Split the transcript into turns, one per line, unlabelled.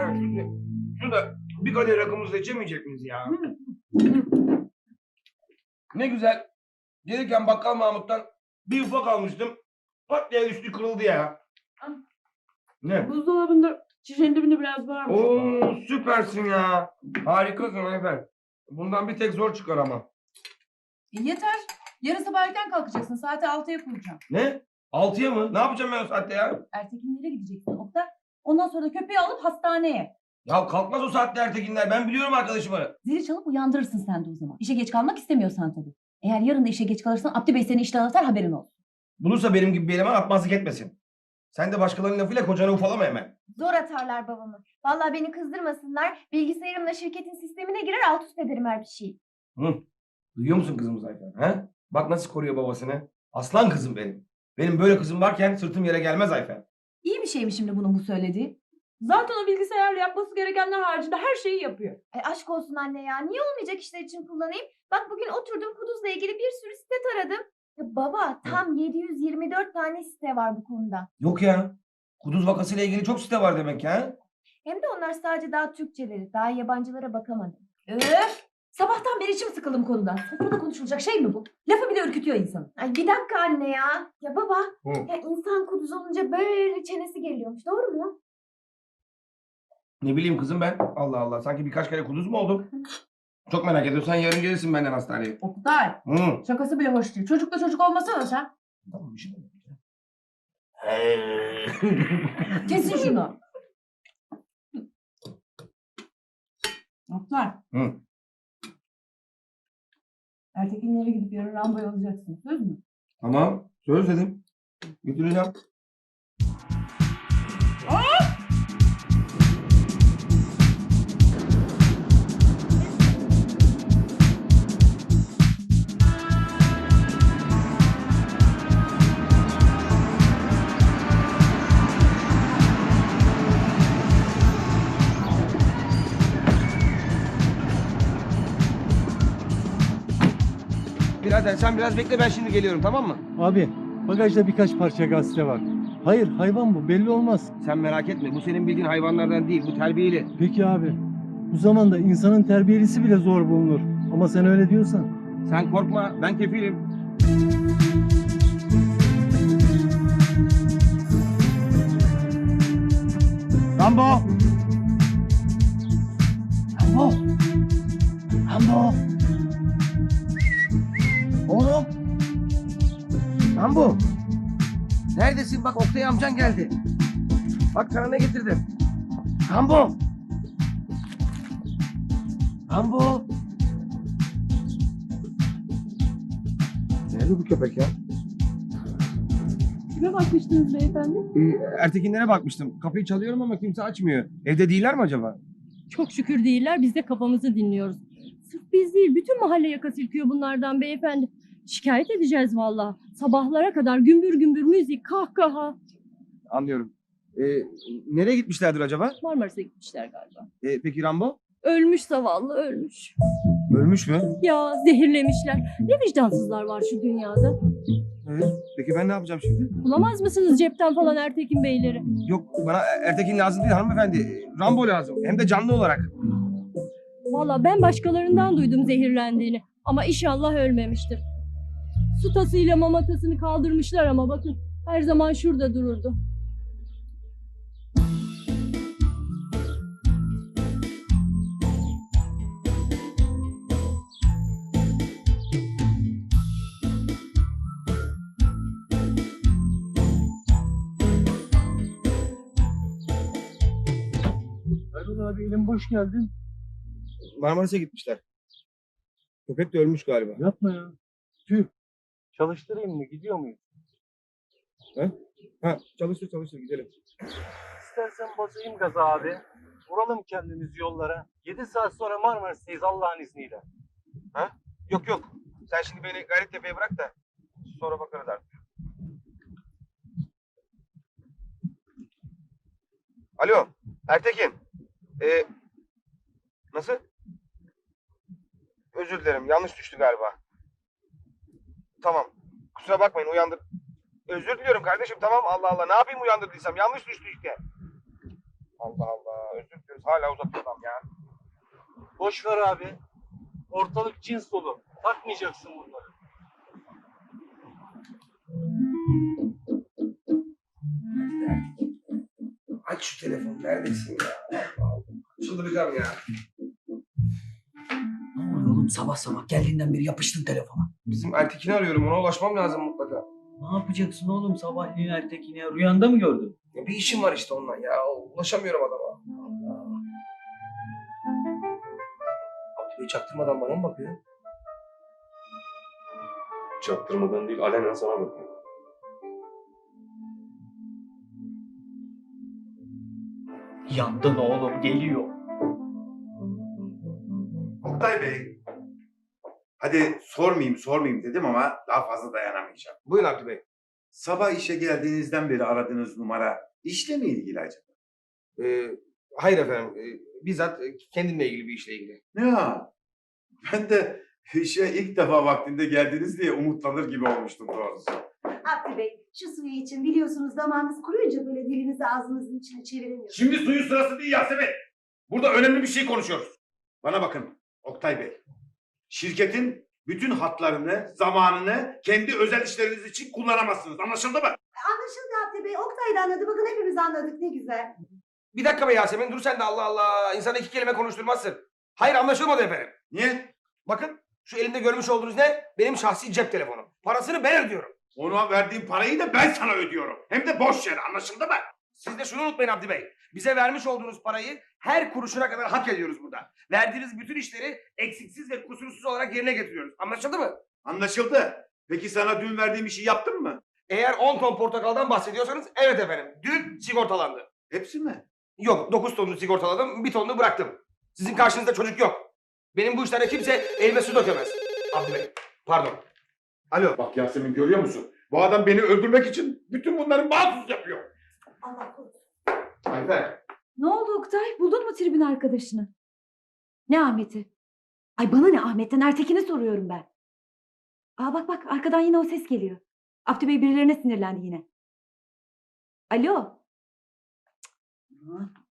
ya. Şurada bir kadeh rakımızda içemeyecek miyiz ya? Ne güzel. Gelirken bakkal Mahmut'tan bir ufak almıştım. Pat diye üstü kırıldı ya. Ne?
Buzdolabında şişenin dibinde biraz varmış.
Oo süpersin ya. Harikasın efendim. Bundan bir tek zor çıkar ama.
Yeter. Yarın sabah erken kalkacaksın. Saati 6'ya kuracağım.
Ne? 6'ya mı? Ne yapacağım ben o saatte ya?
Ertekinlere gideceksin Oktay. Ondan sonra da köpeği alıp hastaneye.
Ya kalkmaz o saatte Ertekinler. Ben biliyorum arkadaşımı.
Zili çalıp uyandırırsın sen de o zaman. İşe geç kalmak istemiyorsan tabii. Eğer yarın da işe geç kalırsan Abdü Bey seni işten atar, haberin olsun.
Bulursa benim gibi bir eleman atmazlık etmesin. Sen de başkalarının lafıyla kocanı ufalama hemen.
Zor atarlar babamı. Vallahi beni kızdırmasınlar. Bilgisayarımla şirketin sistemine girer alt üst ederim her bir şeyi.
Hı. Duyuyor musun kızımız Ayfer? He? Bak nasıl koruyor babasını. Aslan kızım benim. Benim böyle kızım varken sırtım yere gelmez Ayfer.
İyi bir şey mi şimdi bunun bu söylediği? Zaten o bilgisayarla yapması gerekenler haricinde her şeyi yapıyor.
Aşk olsun anne ya. Niye olmayacak işler için kullanayım? Bak bugün oturdum Kuduz'la ilgili bir sürü site taradım. Ya baba tam 724 tane site var bu konuda.
Yok ya. Kuduz vakasıyla ilgili çok site var demek ya.
Hem de onlar sadece daha Türkçeleri. Daha yabancılara bakamadım.
Öf! Sabahtan beri içim sıkıldım konudan. Sofrada konuşulacak şey mi bu? Lafı bile ürkütüyor insanı.
Ay bir dakika anne ya. Ya baba
Hı.
ya insan Kuduz olunca böyle çenesi geliyormuş. Doğru mu?
Ne bileyim kızım ben. Allah Allah. Sanki birkaç kere kuduz mu oldum? Çok merak ediyorsan yarın gelirsin benden hastaneye.
Oktay,
Hı.
şakası bile hoş değil. Çocukla çocuk olmasana sen.
Tamam bir şey demedim.
Kesin şunu. Oktay.
Hı.
Ertekinlere gidip yarın Rambo'yu alacaksın. Söz mü?
Tamam. Söz dedim. Götüreceğim. Birader sen biraz bekle ben şimdi geliyorum tamam mı?
Abi bagajda birkaç parça gazete var. Hayır hayvan bu belli olmaz.
Sen merak etme bu senin bildiğin hayvanlardan değil bu terbiyeli.
Peki abi bu zamanda insanın terbiyelisi bile zor bulunur. Ama sen öyle diyorsan.
Sen korkma ben kefilim. Rambo! Rambo! Rambo! Oğlum! Rambo! Neredesin? Bak Oktay amcan geldi. Bak sana ne getirdim. Rambo! Rambo! Nerede bu köpek ya?
Kime bakmıştınız beyefendi?
Ertekinlere bakmıştım. Kapıyı çalıyorum ama kimse açmıyor. Evde değiller mi acaba?
Çok şükür değiller, biz de kafamızı dinliyoruz. Sırf biz değil, bütün mahalle yaka silkiyor bunlardan beyefendi. Şikayet edeceğiz vallahi. Sabahlara kadar gümbür gümbür müzik, kahkaha.
Anlıyorum. Nereye gitmişlerdir acaba?
Marmaris'e gitmişler galiba.
Peki Rambo?
Ölmüş zavallı, ölmüş.
Ölmüş mü?
Ya zehirlemişler. Ne vicdansızlar var şu dünyada.
Peki ben ne yapacağım şimdi?
Bulamaz mısınız cepten falan Ertekin Beyleri?
Yok bana Ertekin lazım değil hanımefendi. Rambo lazım. Hem de canlı olarak.
Vallahi ben başkalarından duydum zehirlendiğini. Ama inşallah ölmemiştir. Su tasıyla mama tasını kaldırmışlar ama bakın her zaman şurada dururdu.
Erol abi elim boş geldin.
Marmaris'e gitmişler. Köpek de ölmüş galiba.
Yapma ya. Tüh. Çalıştırayım mı? Gidiyor muyuz?
Ha çalıştır gidelim.
İstersen basayım gaza abi. Vuralım kendimizi yollara. 7 saat sonra Marmaris'teyiz Allah'ın izniyle.
Yok. Sen şimdi beni Gayrettepe'ye bırak da sonra bakarız artık. Alo Ertekin. Nasıl? Özür dilerim yanlış düştü galiba. Tamam. Kusura bakmayın uyandır. Özür diliyorum kardeşim tamam Allah Allah. Ne yapayım uyandırdıysam yanlış düştü işte. Allah Allah. Özür dileriz. Hala uzatıyor adam ya.
Boş ver abi. Ortalık cins dolu. Takmayacaksın bunları.
Aç şu telefonu. Neredesin ya? Allah Allah. Çıldıracağım ya.
Ne oluyor oğlum sabah sabah geldiğinden beri yapıştın telefona.
Bizim Ertekin'i arıyorum. Ona ulaşmam lazım mutlaka.
Ne yapacaksın oğlum sabahleyin Ertekin'e? Rüyanda mı gördün?
Ya bir işim var işte onunla ya. Ulaşamıyorum adama. Allah. Abdülay çaktırmadan bana mı bakıyor? Çaktırmadan değil, alenen sana bakıyor.
Yandın oğlum geliyor.
Oktay Bey, hadi sormayayım dedim ama daha fazla dayanamayacağım.
Buyurun Abdü Bey.
Sabah işe geldiğinizden beri aradığınız numara işle mi ilgili acaba?
Hayır efendim. Bizzat kendimle ilgili bir işle ilgili.
Ya, ben de işe ilk defa vaktinde geldiniz diye umutlanır gibi olmuştum doğrusu.
Abdü Bey, şu suyu için biliyorsunuz damağınız kuruyunca böyle dilinizi ağzınızın içine çeviremiyorsunuz.
Şimdi suyun sırası değil Yasemin. Burada önemli bir şey konuşuyoruz. Bana bakın Oktay Bey. Şirketin bütün hatlarını, zamanını kendi özel işleriniz için kullanamazsınız. Anlaşıldı mı?
Anlaşıldı Abdü Bey, Oktay da anladı. Bakın hepimiz anladık, ne güzel.
Bir dakika be Yasemin. Dur sen de Allah Allah. İnsana iki kelime konuşturmazsın. Hayır anlaşılmadı efendim.
Niye?
Bakın şu elimde görmüş olduğunuz ne? Benim şahsi cep telefonu. Parasını ben ödüyorum.
Ona verdiğim parayı da ben sana ödüyorum. Hem de boş yere, anlaşıldı mı?
Siz de şunu unutmayın Abdi Bey. Bize vermiş olduğunuz parayı her kuruşuna kadar hak ediyoruz burada. Verdiğiniz bütün işleri eksiksiz ve kusursuz olarak yerine getiriyoruz. Anlaşıldı mı?
Anlaşıldı. Peki sana dün verdiğim işi yaptın mı?
Eğer 10 ton portakaldan bahsediyorsanız evet efendim. Dün sigortalandı.
Hepsi mi?
Yok 9 tonunu sigortaladım, 1 tonunu bıraktım. Sizin karşınızda çocuk yok. Benim bu işlerde kimse elime su dökemez. Abdi Bey, pardon. Alo.
Bak Yasemin görüyor musun? Bu adam beni öldürmek için bütün bunları mahsus yapıyor.
Allah korusun.
Ayfer.
Ne oldu Oktay? Buldun mu tribün arkadaşını? Ne Ahmet'i? Ay bana ne Ahmet'ten, Ertekin'i soruyorum ben. Aa bak arkadan yine o ses geliyor. Abdü Bey birilerine sinirlendi yine. Alo.
Ha?